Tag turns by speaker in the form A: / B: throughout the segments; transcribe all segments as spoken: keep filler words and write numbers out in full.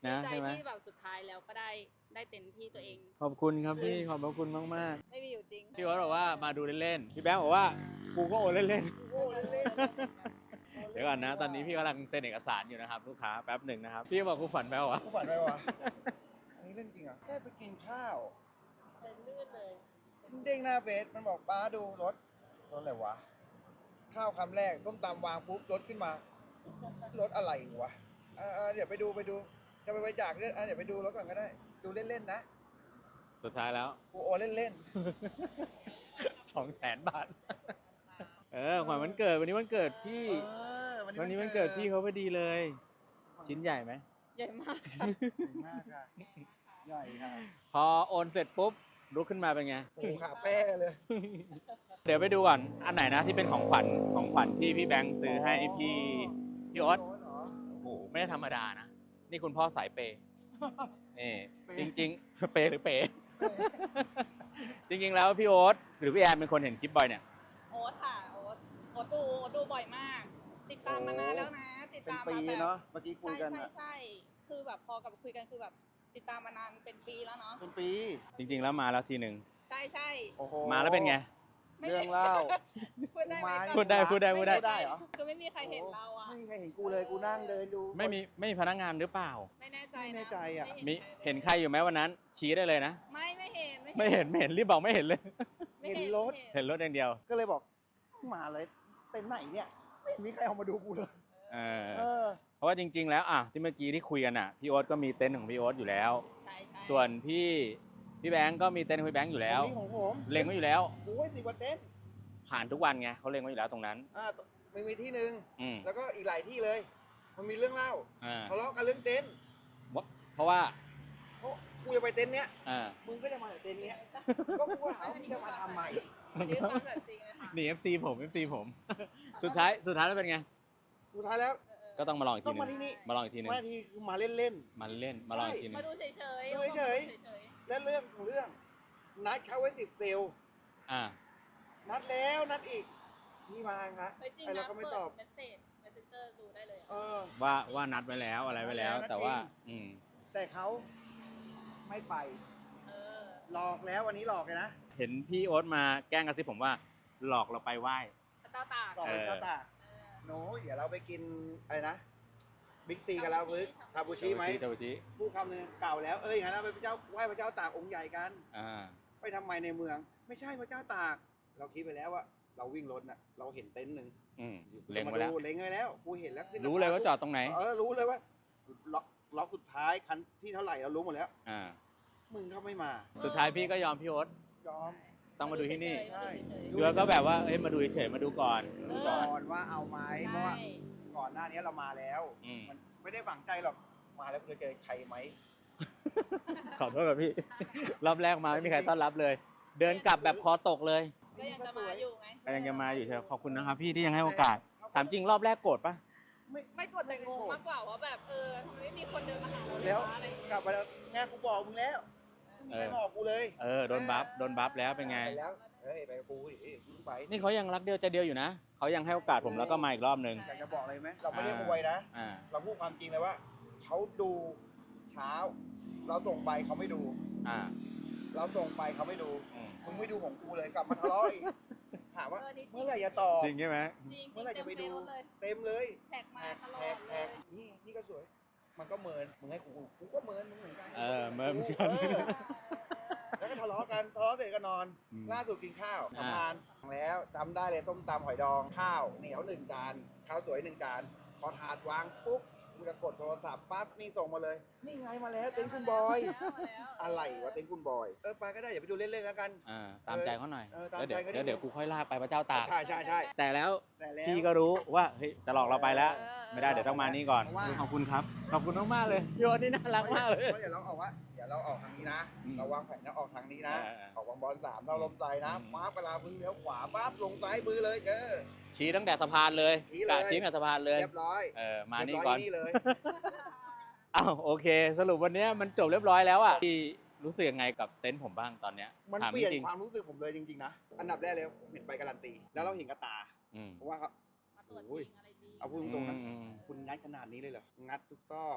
A: นะ
B: ใจ
A: ใช่ไหม
B: ที่แบบสุดท้ายแล้วก็ได้ได้เต็มที่ตัวเอง
A: ขอบคุณครับพี่ขอบพระคุณมากมาก
B: ไม่มีอยู่จริง
A: ๆพี่วัดบอกว่ามาดูเล่นๆพี่แบงค์บอกว่ากูก็โอนเล่น
C: โอ้เล่น
A: ๆเดี๋ยวก่อนนะตอนนี้พี่กำลังเซ็นเอกสารอยู่นะครับลูกค้าแป๊บหนึ่งนะครับพี่บอกกูฝันไปวะ
C: กูฝันไปวะอันนี้เรื่องจริงเหรอ่ะแค่ไปกินข้าว
B: เซ็นลื่นเลย
C: มันเด้งหน้าเฟซมันบอกป้าดูรถรถอะไรวะข้าวคำแรกต้มตำวางปุ๊บรถขึ้นมารถอะไรวะเออเดี๋ยวไปดูไปดูจะไปบริจาคเลือดเดี๋ยวไปดูรถก่อนก็ได้ ดูเล่นๆนะ
A: สุดท้ายแล้ว
C: กูโอนเล่น
A: สองแสนบาทเออขวัญวันเกิดวันนี้วันเกิด
C: ๆ
A: พี่
C: เออ
A: วันนี้วันเกิดพี่เขาพอดีเลย ชิ้นใหญ่ไหม
B: ใหญ่มาก
C: ใหญ่มากค่ะใหญ่ค่ะ
A: พอโอนเสร็จปุ๊บลุกขึ้นมาเป็นไง
C: โอ้โหขาแป้เลย
A: เดี๋ยวไปดูก่อนอันไหนนะที่เป็นของขวัญของขวัญที่พี่แบงค์ซื้อให้พี่พี่โอ๊ต
C: เหรอ
A: โอ้โหไม่ได้ธรรมดานะ นี่คุณพ่อสายเปย์นี่
C: เปย์
A: จริงๆ เปย์หรือเปย์ จริงๆแล้วพี่โอ๊ตหรือพี่แอนเป็นคนเห็นคลิปบ่อยเนี่ย
B: โอ๊ตค่ะโอ๊ตโอ๊ตดูโอ๊ตดูบ่อยมาก ติดตามมานานแล้วนะ ติด
C: เป็น
B: ตาม
C: ปี
B: มาแบบ
C: เนาะเมื่อกี้คุย
B: ใช่
C: กัน
B: ใช่
C: อะ
B: ใช่คือแบบพอกับคุยกันคือแบบติดตามมานานเป็นปีแล้วเนาะ
C: เป็นปี
A: จริงๆแล้วมาแล้วทีหนึ่ง
B: ใช่ใช่
C: โอ้โห
A: มาแล้วเป็นไง
B: ไม่
C: เรื่องเล่า
B: พูดได้ไหม
C: มา
A: พูดได้พูดได้พูดได้
C: ได้เหรอ
B: คือไม่มีใครเห็นเราอะ
C: ไม่มีใครเห็นกูเลยกูนั่งเดินดู
A: ไม่มีไม่มีพนักงานหรือเปล่า
B: ไม่แน่ใจ
C: ไม่
B: นะ
C: แน่ใจอะ
B: ไม่
A: มี
B: ใครลย
A: เห็นใครอยู่ไหมวันนั้น ชี้ได้เลยนะ
B: ไม่ไม่เห็น
A: ไม่เห็นไม่เห็นรีบบอกไม่เห็นเลย
B: ไม่
C: เห็นรถ
B: ไม่
A: เห็นรถอย่างเดียว
C: ก็เลยบอกมาเลยเต็นท์ไหนเนี่ยไม่เห็นมีใครเอามาดูกูเลย
A: เออ
C: เออ
A: เพราะว่าจริง ๆ แล้วอ่ะที่เมื่อกี้ที่คุยกันอ่ะพี่โอ๊ตก็มีเต็นท์ของพี่โอ๊ตอยู่แล้ว
B: ใช่ใช่
A: ส่วนพี่พี่แบงก์ก็มีเต็นท์ของพี่แบงก์อยู่แล้ว
C: นี่ของผม
A: เล็งไว้อยู่แล้ว
C: กูไว้สิบกว่าเต็นท์
A: ผ่านทุกวันไงเขาเล็งไว้อยู่แล้วตรงนั้น
C: อ่าไม่มีที่หนึ่ง
A: อืม
C: แล้วก็อีกหลายที่เลย มันมีเรื่องเล่า
A: อ่า
C: ทะเลาะกันเรื่องเต็นท์
A: เพราะว่า
C: เพราะกูจะไปเต็นท์เนี้ย
A: อ่า
C: มึงก็จะมาเต็นท์เนี้ยก็กูถามว่ามึงจะมาทำไม
B: อันนี้ความแบบจริงเลยค่ะ
A: นี่ เอฟ ซี ผม เอฟ ซี ผม สุดท้ายสุดท้ายแล้วเป็นไง
C: สุดท้ายแล้ว
B: เออเออ
A: ก็ต้องมาลองอีกทีหนึ
C: ต้องมาที่นี่
A: งมาลองอีกทีหนึง
C: มาทีคือมาเล่น
A: มาเล่นมาลองอีกทีหนึง
B: มาดูเฉยๆ
C: ดูเฉยๆ
B: เฉย
C: ๆและเรื่องของเรื่อง นัดเขาไว้สิบเซลล์
A: อ่า
C: นัดแล้วนัดอีกนี่มาครับ
B: ๆเฮ้ยจริง
C: ไอ้เรา
B: นะ
C: ก็ไม่
B: เปิ
C: ตอบ
B: ดเมสเซจเมสเซนเจอร์ดูได้เลยอะ
C: เออ
A: ว่าว่านัดไว้แล้วอะไรไว้แล้ว
C: นัดแล้ว
A: แต่ว่า
C: นัดจริง
A: อืม
C: แต่เขาไม่ไป
B: เออ
C: หลอกแล้ววันนี้หลอกเลยนะ
A: เห็นพี่โอ๊ตมาแกล้งกระซิบผมว่าหลอกเราไปไหว้
B: พระเจ้าตาก
C: หลอกเป็น
A: เออ
C: เจ้าตาก
B: เออ
C: โน้เดี๋ยวเราไปกินอะไรนะบิ๊กซีกันแล้วหรือชาบูชิไหม
A: ชาบูชิ
C: พูดคำหนึ่งเก่าแล้วเอ้ยอย่างนั้นเราไปพระเจ้าไหว้พระเจ้าตากองค์ใหญ่กัน
A: อ่า
C: ไปทำไมในเมือง ไม่ใช่พระเจ้าตาก เราคิดไปแล้วว่าเราวิ่งรถน่ะเราเห็นเต็นท์หนึ่ง
A: อืมเล็งไว้แล้ว
C: มาดูเล็งไว้แล้วกูเห็นแล้วขึ้น
A: รู้เลยว่าจอดตรงไหน
C: เออรู้เลยว่าล็อกล็อกสุดท้ายคันที่เท่าไหร่เรารู้หมดแล้ว
A: อ่า
C: มึงเขาไม่มา
A: สุดท้ายพี่ก็ยอมพี่โอ๊ต
C: ยอม
A: ต้องมาดูที่นี่
B: มาดูเฉย
A: ดูแล้วก็แบบว่าเอ้ยมาดูเฉยๆมาดูก่อนมาดู
C: ก่
A: ก่
C: อ
A: อน
C: นว่าเอาไหม
B: ๆ
C: เพราะว่า
B: ใช่
C: ก่อนหน้านี้เรามาแล้ว
A: อืม
C: มันไม่ได้ฝังใจหรอกมาแล้วจะเจอใครไหม
A: ขอโทษกับพี่ รอบแรกมาไม่มีใครต้อนรับเลย เดินกลับแบบคอตกเลย
B: ก็ยังจะมาอยู่ไง
A: ก็ยังจะมาอยู่ใช่ไหมขอบคุณนะครับพี่ที่ยังให้โอกาส ถามจริงรอบแรกโกรธปะ
C: ไม่
B: ไม่กดแต่งงมากกว่าว่าแบบเออทำไมไม่มีคนเดินมาหาเราเล
C: แล้
B: ยว ะอะไรอย่างเงี้ย
C: กลับไปแล้วแง่กูบอกมึงแล้วไม่มีใครบอกกูเลย
A: เออโดนบัฟโดนบัฟแล้วเป็นไง
C: ปแล้วเฮ้ยไปกับกูดิเอ้ยมึงไป
A: นี่เขายังรักเดียวใจเดียวอยู่นะเขายังให้โอกาสผมแล้วก็มาอีกรอบหนึ่ง
C: อยากจะบอกอะไรไหมเราไม่ได้อวยนะ
A: อ่า
C: เราพูดความจริงเลยว่าเขาดูเช้า เราส่งไปเขาไม่ดู
A: อ่า
C: เราส่งไปเขาไม่ดู
A: อืม
C: มึงไม่ดูของกูเลยกลับมาทะเลาะอีกถามว่า
B: เออนี่จริง
C: เมื่อไหร่จะตอบ
A: จริงใช่ไหม
B: จริง
C: เมื่อไหร่จะไปดู
B: เต็มเฟซเลย
C: เต็มเลย
B: แท็กมา
C: แท็ก
B: ตลอ
C: แท็
B: ด
C: ก
B: เล
C: แท็
B: ย
C: กนี่นี่ก็สวย มันก็เมินมึงให้กูกูก็เมินมึงเหมือนกัน
A: เออเมินเหมือนกัน
C: เออแล้วก็ทะเลาะกันทะเลาะเสร็จก็นอน
A: อืม
C: ล่าสุดกินข้าว
A: อ่า
C: ทำงานแล้วจำได้เลยต้มตำหอยดองข้าวเหนียวหนึ่งจานข้าวสวยหนึ่งจานพอถาดวางปุ๊บกูจะกดโทรศัพท์ปั๊บนี่ส่งมาเลย นี่ไงมาแล้วเต็นท์คุณบอย อะไรวะเต็นท์คุณบอยเออไปก็ได้อย่าไปดูเล่นๆแล้วกัน
A: อ่าตามใจเขาหน่อย
C: เออตาม
A: แล้วเดี๋ยว
C: ใจเขานิดนึง
A: แล้วเดี๋ยวกูค่อยลากไปพระเจ้าตาก
C: ใช่ใช่ใช่
A: แต่แล้ว
C: แต่แล้ว
A: พี่ก็รู้ว่าเฮ้ยจะหลอกเราไปแล้ว
B: เออ
A: ไม่ได้เดี๋ยวต้องมานี่ก่อน
C: เพราะว่า
A: ขอบคุณครับ ขอบคุณมากๆเลยพี่โอ๊ตนี่น่ารักมากเลย
C: เดี๋ยวเราออกว่าเดี๋ยวเราออกทางนี้นะ
A: อืม
C: เราวางแผนจะออกทางนี้นะ
A: เออเออ
C: ออกบางบอลสามเราลมใจนะ
A: อืม
C: มาเวลาพึ่งเลี้ยวขวาปั๊บลงซ้ายมือเลยเจอ
A: ชี้ตั้งแต่สะพานเลย
C: ชี้เลย
A: กะชี้ตั้งแต่สะพานเลย
C: เรียบร้อย
A: เออมา
C: เรี
A: นี่
C: ยบร้
A: ก่อ
C: อน ยนี่เลย
A: อ้าวโอเค สรุปวันเนี้ยมันจบเรียบร้อยแล้วอ่ะพี่รู้สึกยังไงกับเต็นท์ผมบ้างตอนเนี้ย
C: มัน
A: ถาม
C: เปลี่ยน
A: จริง
C: ความรู้สึกผมเลยจริงๆนะอันดับแรกเลยผมเห็นใบการันตี แล้วเราเห็นกระตา
A: ๆอืม
C: เพราะว่าเขา
B: มาตรวจ
C: โอ้ย
B: จริงอะไรจริง
C: เอาพูดตรงๆนะ
A: อืม
C: คุณงัดขนาดนี้เลยเหรองัดทุกซอก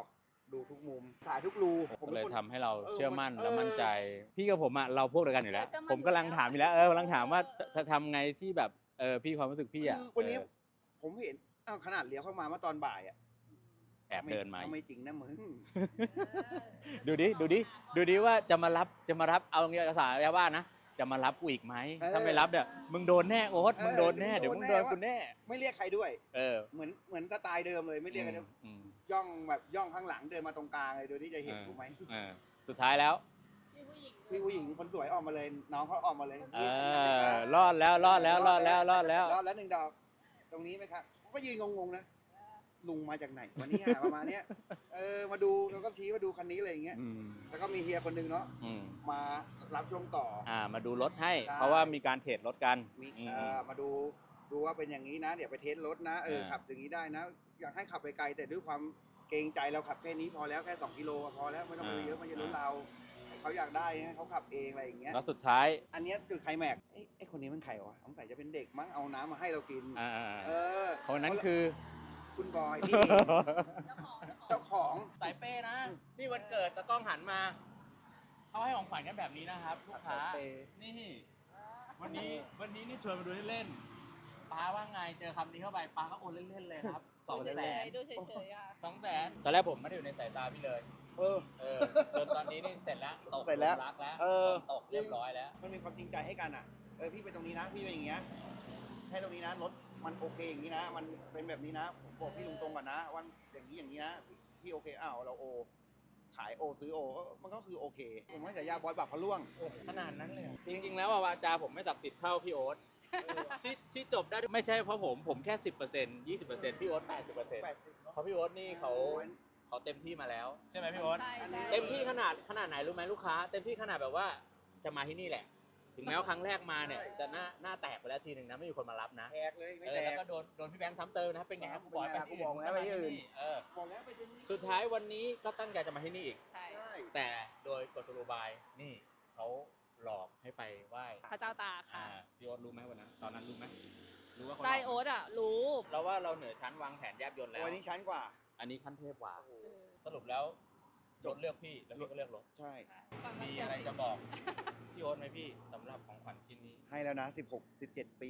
C: ดูทุกมุมถ่ายทุกรูผม
A: ก็เลย
C: ป็นคน
A: ทำให้เรา
C: เออ
A: เชื่อมั่น
C: มัน
A: และมั่นใจ
C: เออ
A: พี่กับผมอ่ะเราพวกเดียวกันอยู่แล้ว
B: เชื่อมั่น
A: ผมกำลัง
B: อยู่แล้ว
A: ถามอยู่แล้วเออกำลังถามว่าจะจะทำไงที่แบบเออพี่ความรู้สึกพี่อ่ะ
C: คือวันนี้
A: เออ
C: ผมเห็นอ้าวขนาดเลี้ยวเข้ามาเมื่อตอนบ่ายอ่ะ
A: แอบเดินมา
C: ทำไม่จริงนะมึง
A: ดูดิดูดิดูดิว่าจะมารับจะมารับเอาเงี้ยภาษาชาวบ้านนะจะมารับกูอีกไหม
C: เออ
A: ถ้าไม่รับเนี่ยมึงโดนแน่โอ๊ต
C: เออ
A: มึงโดนแน่
C: มึงโดน
A: เดี๋ยวมึง
C: แน่
A: โดนกูแน่
C: ไม่เรียกใครด้วย
A: เออ
C: เหมือนเหมือนสไตล์เดิมเลยไม่เรียกกัน
A: อืม
C: ย่องแบบย่องข้างหลังเดินมาตรงกลางเลยโดยที่จะเห็น
A: เออ
C: กูไหม
A: เออสุดท้ายแล้ว
B: พี่ผู้หญิง
C: พี่ผู้หญิงคนสวยออกมาเลย น้องเขาออกมาเลย
A: เออรอดแล้วรอดแล้วรอดแล้วรอดแล้ว
C: รอดแล้วหนึ่งดอก ตรงนี้ไหมครับเขาก็ยืนงงๆนะลุงมาจากไหนวันนี้ประมาณเนี้ยเออมาดูแล้วก็ชี้มาดูคันนี้อะไรอย่างเงี้ย
A: อืม
C: แล้วก็มีเฮียคนหนึงเนาะ
A: อืม
C: มารับช่วงต่อ
A: อ่ามาดูรถให้
C: ใช่
A: เพราะว่ามีการเทรดรถกัน
C: มี
A: อืม
C: เอ่อมาดูดูว่าเป็นอย่างนี้นะ เดี๋ยวไปเทสรถนะเออ
A: เออ
C: ขับอย่างนี้ได้นะ อยากให้ขับไปไกลแต่ด้วยความเกรงใจเราขับแค่นี้พอแล้วแค่สองกิโลก็พอแล้วไม่ต้องไปเยอะมันจะลุ้นเราเขาอยากได้ให้เขาขับเองอะไรอย่างเงี้ย
A: แล้วสุดท้าย
C: อันเนี้ยจุดไคลแม็กซ์เอ้ยไอ้คนนี้มันใครวะสงสัยจะเป็นเด็กมั้งเอาน้ำมาให้เรากิน
A: อ่า
C: เออ
A: คนนั้นคือ
C: คุณบอยนี่
B: เจ้าของเจ้าของ
C: เจ้าของ
A: สายเป้นะ นี่วันเกิดตะกล้องหันมาเขาให้ของขวัญกันแบบนี้นะครับลูกค้า
C: สายเปย์
A: นี่ วันนี้วันนี้นี่ชวนมาดูเล่นๆป้าว่าไงเจอคำนี้เข้าไปป้าก็โอนเล่นๆเลยครับส
B: ดู
A: อง
B: เฉ
A: แส
B: ย
A: น
B: ๆดูเฉยๆอ่ะ
A: สองแสนตอนแรกผมไม่ได้อยู่ในสายตาพี่เลย
C: เออ
A: เออจนตอนนี้นี่เสร็จแล้วตก
C: เสร็จแล้ว
A: หลุมรักแล้ว
C: เออ
A: ตกเรียบร้อยแล้ว
C: มันมีความจริงใจให้กันอ่ะ เออพี่ไปตรงนี้นะ พี่ไปอย่างเงี้ยให้ตรงนี้นะรถมันโอเคอย่างนี้นะ มันเป็นแบบนี้นะ ผมบอกพี่ตรงๆก่อนนะวันอย่างนี้อย่างนี้นะ พี่โอเคอ้าวเราโอ ขายโอซื้อโอ มันก็คือโอเค ผมให้ฉายาบอยบักพะล่วง
A: ขนาดนั้นเลยเหรอ
C: จริง
A: จริงๆแล้วอะวาจาผมไม่ศักดิ์สิทธิ์เท่าพี่โอ๊ตที่ที่จบได้ไม่ใช่เพราะผมผมแค่สิบเปอร์เซ็นต์ยี่สิบเปอร์เซ็นต์พี่โอ๊ตแปดสิบเปอร์เซ็นต์
C: แปดสิบเนอะ
A: เพราะพี่โอ๊ตนี่เขาเขาเต็มที่มาแล้วใช่ไหมพี่โอ๊ต
B: ใช่ใช่
A: เต็มที่ขนาดขนาดไหนรู้ไหมลูกค้า เต็มที่ขนาดแบบว่าจะมาที่นี่แหละ ถึงแม้ว่าครั้งแรกมาเนี่ยจะหน้าหน้าแตกไปแล้วทีหนึ่งนะไม่มีคนมารับนะ
C: แตกเลยไม่
A: เอ
C: แต
A: อแล้ว
C: ก
A: ก็โดนโดนพี่แบงค์ซ้ำเติมนะเป็นไงครับกูบอกไป
C: กูบอกแล้วไปที่อื่น
A: เออ
C: บอกแล้วไปที่นี่
A: สุดท้ายวันนี้ก็ตั้งใจจะมาที่นี่อีก
B: ใช่
C: ใช่
A: แต่โดยกฎสโลบายนี่เขาหลอกให้ไปไหว้
B: พระเจ้าตาก
A: อ่า
B: ค่ะ
A: พี่โอ๊ตรู้ไหมวันนั้นตอนนั้นรู้ไหมรู้ว่าเขาห
B: ใจ
A: ลอก
B: โอ๊ตอ่ะ รู้
A: เราว่าเราเหนือชั้นวางแผนแยบยลแล้ว
C: วันนี้ชั้นกว่า
A: อันนี้ขั้นเทพกว่า
B: เออ
A: สรุปแล้วรถเลือกพี่แล้วพี่ก็เลือกรถ
C: ใช่
B: ก่อนวัน
A: มี
B: เกิด
A: อะไร
B: สิ
A: จะบอก พี่โอ๊ตไหมพี่สำหรับของขวัญชิ้นนี้
C: ให้แล้วนะสิบหก สิบเจ็ดปี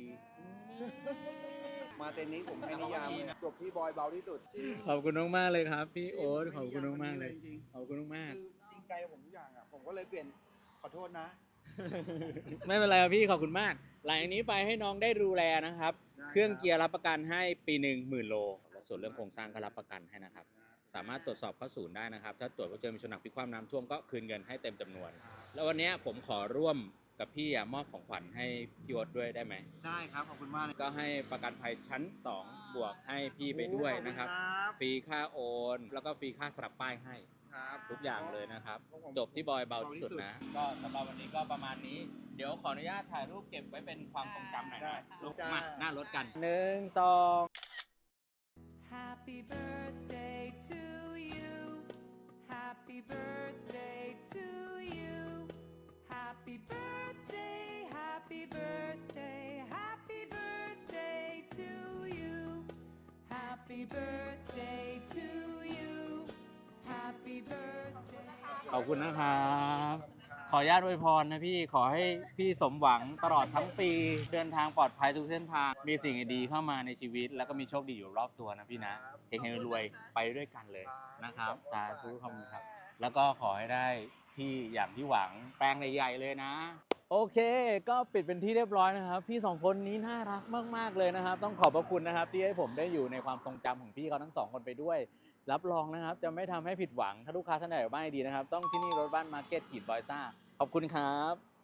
C: มาเต็นนี้ผมให้นิยามเลยจบที่บอยเบาที่สุด
A: ขอบคุณมากๆเลยครับ พี่โอ๊ตขอบคุณมากๆเลย
C: จริง
A: ขอบคุณมาก
C: ๆคือจริงใจกับผมทุกอย่างอ่ะ ผมก็เลยเปลี่ยนขอโทษนะ
A: ๆ ไม่เป็นไรครับพี่ขอบคุณมาก หลังจากนี้ไปให้น้องได้ดูแลนะครับ
C: ได้
A: เครื่องเกียร์รับประกันให้ปีหนึ่งหมื่นโลและส่วนเรื่องโครงสร้างก็รับประกันให้นะครับ สามารถตรวจสอบเข้าศูนย์ได้นะครับ ถ้าตรวจว่าเจอมีชนหนักพลิกคว่ำน้ำท่วมก็คืนเงินให้เต็มจำนวน แล้ววันนี้ผมขอร่วมกับพี่อะมอบของขวัญให้พี่โอ๊ตด้วยได้ไหม
C: ได้ครับ ขอบคุณมากเลย
A: ก็ให้ประกันภัยชั้นสองบวกให้พี่ไปด้วยนะครับ
C: ขอณ
A: ฟรีค่าโอน แล้วก็ฟรีค่าสลับป้ายให้
C: ครับ
A: ทุกอย่างเลยนะครับ
C: ของผม
A: จบที่บอยเบาที่สุดนะ ก็สำหรับวันนี้ก็ประมาณนี้ เดี๋ยวขออนุญาตถ่ายรูปเก็บไว้เป็นความทรงจำหน่อย
C: ได้
A: นะลุก
C: จ้าม
A: มาหน้ารถกันหนึ่งสอง
D: Happy birthday to you. Happy birthday to you. Happy birthday, happy birthday, happy birthday to you. Happy birthday to you. Happy birthday.
A: ขอบคุณนะครับ ขออนุญาตอวยพรนะพี่ขอให้พี่สมหวังตลอดทั้งปี เดินทางปลอดภัยทุกเส้นทาง มีสิ่งดีๆเข้ามาในชีวิต แล้วก็มีโชคดีอยู่รอบตัวนะพี่นะเฮงๆรวยๆไปด้วยกันเลยนะครับสาธุขอบคุณครับ แล้วก็ขอให้ได้ที่อย่างที่หวังแปลงใหญ่ๆเลยนะ โอเค ก็ปิดเป็นที่เรียบร้อยนะครับ พี่สองคนนี้น่ารักมากๆเลยนะครับ ต้องขอบพระคุณนะครับ ที่ให้ผมได้อยู่ในความทรงจำของพี่เขาทั้งสองคนไปด้วย รับรองนะครับ จะไม่ทำให้ผิดหวังถ้าลูกค้าท่านใดอยู่บ้านดีนะครับ ต้องที่นี่รถบ้านมาร์เก็ตขีดบอยซ่าขอบคุณครับ